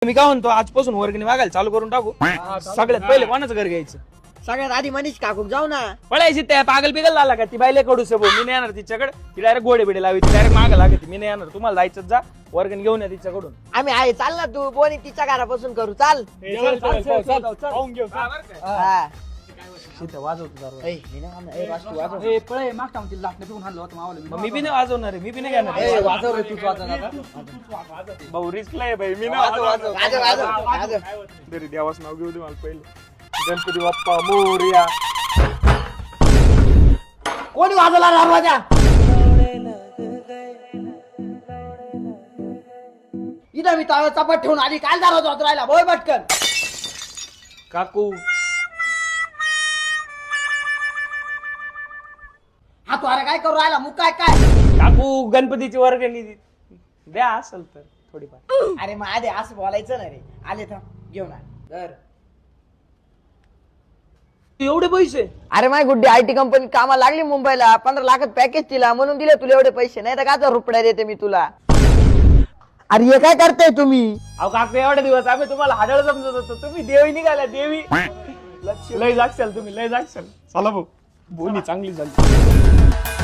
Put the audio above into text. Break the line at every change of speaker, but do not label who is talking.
मी काय म्हणतो आजपासून वर्गणी मागायला चालू करून टाकू. सगळ्यात पहिले कोणाचं घर घ्यायचं?
सगळ्यात आधी मनीष काकू जाऊ ना.
पळायची त्या पागल बिगल झाला का ती बायले कडू सबो मी नाही येणार तिच्याकडे. ती डायरेक्ट गोडे बिडे लावी डायरेक्ट माग लागते. मी नाही येणार. तुम्हाला जायचं जा वर्गणी घेऊन या तिच्याकडून.
आम्ही आहे चाल ना तू बोनी तिच्या घरापासून करू चाल. हा.
वाजवतो
ए, मी नाही आणणार. ए, वाजतू, वाजव.
मग मी बी नाही वाजवणार आहे. मी बी नाही घेणार.
ए, वाजव रे, तूच वाजव आता.
भाऊ रिस्क आहे भाई. मी
वाजव, वाजव, वाजव, वाजव, वाजव.
तरी देवाच नाव घेऊ दे मला पहिले. गणपती बाप्पा मोरया.
कोणी वाजवला दरवाजा? इथं मी तावं चपाट ठेवून आली काल दरवाजा वाजवून राहिला बोय पटकन.
काकू
हा तू अरे काय करू राहिला मुक काय काय?
काकू गणपतीची वर्गणी द्या असेल तर थोडीफार.
अरे मग आधी असं बोलायचं ना रे. आले थांब घेऊन आले.
एवढे पैसे?
अरे माय गुड्डी आयटी कंपनी कामाला लागली मुंबईला 15 लाखात पॅकेज दिला म्हणून दिले तुला एवढे पैसे. नाही तर का रुपया देते मी तुला. अरे हे काय करताय तुम्ही?
अहो काकू एवढे दिवस आम्ही तुम्हाला हाडळ समजत होतो. तुम्ही देवी निघाल्या देवी. लय जागशाल तुम्ही लय जागशाल. चला भाऊ बोनी चांगली झाली.